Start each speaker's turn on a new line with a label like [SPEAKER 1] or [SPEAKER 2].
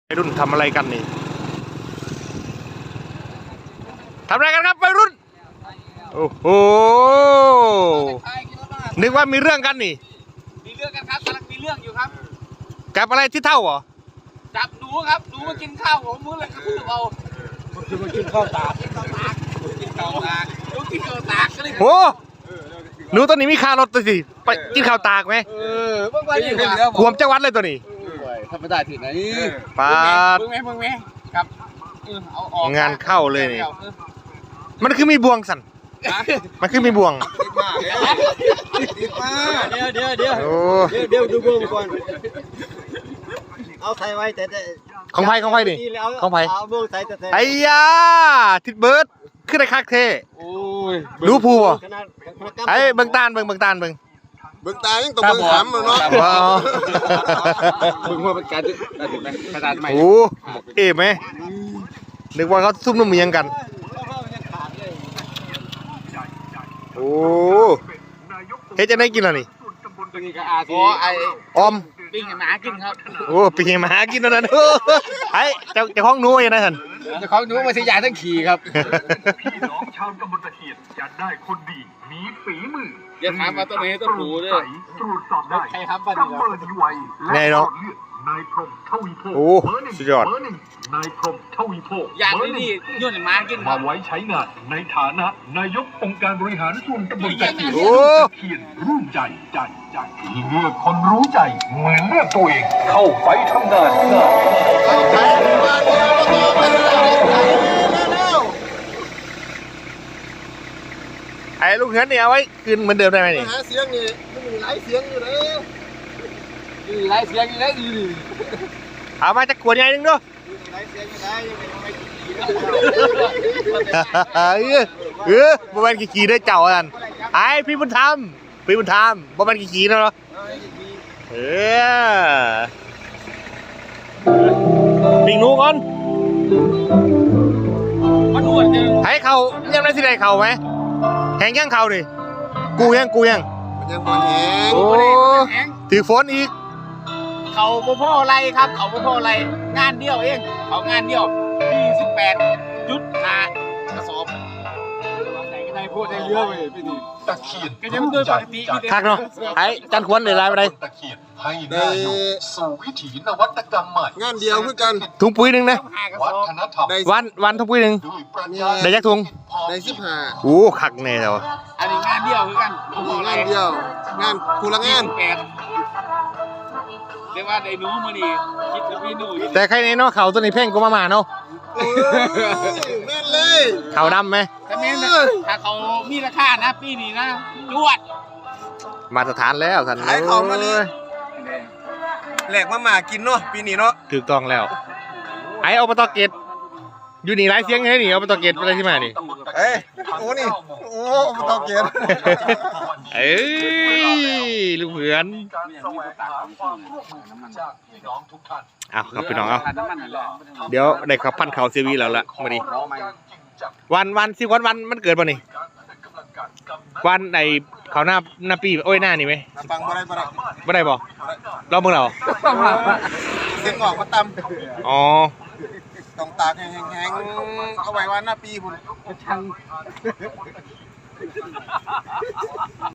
[SPEAKER 1] วัยรุ่นทำอะไรกันนี่ทำอะไรกันครับวัยรุ่นโอ้โหนึกว่ามีเรื่องกันนี่
[SPEAKER 2] มีเรื่องกันครับกำลังมีเรื่องอยู่ครับ
[SPEAKER 1] จับอะไรที่เท่าเหรอ
[SPEAKER 2] จับหนูครับหนูมากินข้าวผมมือเลยกระทืบเอาคือมากินข้าวตากกินข้าวตากกินข้าวตากหนูกินข้าวตากก็เลย
[SPEAKER 1] โอ้หนูตัวนี้มีคารถตัวสิไปกินข้าวตากไหม
[SPEAKER 2] เมื่อวานอยู่ครับ
[SPEAKER 1] ขวมจังหวัดเลยตัวนี้
[SPEAKER 2] ทำไม่ได้ถึงไหน
[SPEAKER 1] ปาด
[SPEAKER 2] มึงไหมครับเอาออก
[SPEAKER 1] งานเข้าเลยนี่มันคือมีบวงสันมันคือมีบวง
[SPEAKER 2] เดี๋ยวดูบวงก่อนเอาใส่ไว้แต่
[SPEAKER 1] ของไผ่ดิของไผ่
[SPEAKER 2] เอาบวงใส่แต่
[SPEAKER 1] ไอ้ยาทิดเบิร์ดขึ้นในคักเท่รู้ภูบ่ไอ้เบิ่งตาลเบิ่งตา
[SPEAKER 3] ยังต้องเบิ่งถามเนาะ
[SPEAKER 2] เบิ่งว่าเป็นการใหม่
[SPEAKER 1] โอ้เอ๋ไหมนึกว่าเขาซุ่มนุ่มเมียงกันโอ้เฮ้ยจะได้กินอะไรนี่ออม
[SPEAKER 2] ปิ้งหมากินครับ
[SPEAKER 1] โอ้ปิ้งหมากินนั่นไอ้เจ้าของหนูยังไงท่าน
[SPEAKER 2] เจ้าของหนูมาสิยาทั้งขี่ครับ
[SPEAKER 4] พี่น้องชาวตำบลตะเคียนจะได้คนดีมีฝีมือ
[SPEAKER 2] อย่าถามว่าต้นไหนต้นผูด้วย
[SPEAKER 4] ตรวจสอบได้
[SPEAKER 2] ใครครับบ้าน
[SPEAKER 4] นี้เบอร์ดีไว
[SPEAKER 1] แน่เนาะ
[SPEAKER 4] นายพรหมทวีโพ
[SPEAKER 1] โอ้สุดยอด
[SPEAKER 4] นายพรหมทวีโพ
[SPEAKER 2] อย่างนี้ยุ่นหมากิน
[SPEAKER 4] มาไว้ใช้งานในฐานะนายกองค์การบริหารส่วนตำบลตะเคียนร่วมใจที่เลือกคนรู้ใจเหมือนเลือกตัวเองเข้าไปทำงาน
[SPEAKER 1] ไอ้ลูกเหือนเนี่ยเอาไว้คืนเหมือนเดิมได้ไหมนี่
[SPEAKER 3] หาเสียงนี่มันมีหลายเสียงอยู่นะ
[SPEAKER 2] หลายเสียงอยู่นะ
[SPEAKER 1] เอามาจากขวดใหญ่นึงด้วย
[SPEAKER 2] หลายเสียงอยู่นะ
[SPEAKER 1] บ่แม่นขี่ได้เจ้าอันไอ้พี่บุญธรรมบ่แม่นขี่เนาะปิงหนูก่อน
[SPEAKER 2] มันอ้วนจัง
[SPEAKER 1] ให้เขายังได้สิได้เขาไหมแหงยังเขาดิกูยัง
[SPEAKER 3] มันยังบ่แหง
[SPEAKER 1] โอ้ถือฝนอีก
[SPEAKER 2] เขาพ่ออะไรครับเขาพ่ออะไรงานเดียวเองเขางานเดียว28.5กระสอบไหนก็ได้พูดได้เยอะเลยพี่ดี
[SPEAKER 4] ตะเคียน
[SPEAKER 2] ก็ยังโดยปกติ
[SPEAKER 1] คักเนาะไอ้จันควรได้รายไปได้
[SPEAKER 4] ตะเคียนให้ได้สู่วิถีนวัตกรรมใหม่
[SPEAKER 3] งานเดียวคือกัน
[SPEAKER 1] ถุงปุ๋ยนึงนะ
[SPEAKER 4] วัฒนธรรม
[SPEAKER 1] วันถุงปุ๋ยนึงได้ยักถุง
[SPEAKER 3] ได้15
[SPEAKER 1] โอ้คักแน่แล้ว
[SPEAKER 2] อันนี้งานเดียวคือกัน
[SPEAKER 3] งานเดียวงานผู้ละงาน
[SPEAKER 2] เรียกว่าไอ้หนูมื้อนี้คิดถึงพี่หนู
[SPEAKER 1] แต่ใครในเนาะเขาตัวนี้เพ่งกูมาเนาะ
[SPEAKER 3] แม่นเลย
[SPEAKER 1] เขาดำไหม
[SPEAKER 2] ถ้าแม่นถ้าเขามีราคานะปีนี้นะจวด
[SPEAKER 1] มาตรฐานแล้วท่าน
[SPEAKER 3] ขายของมาเลยแหลกมากินเนาะปีนี้เนาะ
[SPEAKER 1] ถูกต้องแล้วไอ้อบต.เกตอยู่นี่หลายเสียงไงนี่อบต.เกตอะไรที่มานี่
[SPEAKER 3] โอ้นี่โอ้อบต.เกต
[SPEAKER 1] ลูกเหือนเอาครับพี่น้องเอาเดี๋ยวได้ขับพันเขาซีวีแล้วล่ะมาดิวันสิวันมันเกิดป่ะนี่วันไหนเขาหน้าปีโอ้ยหน้านี่ไหม
[SPEAKER 3] ฟังบ่
[SPEAKER 1] ได้บ่รอบมึงเรา
[SPEAKER 3] เสียงออกมาต
[SPEAKER 1] ำอ๋อ
[SPEAKER 3] ต้องตากแห้งๆเอาไว้วันหน้าปีพุ่น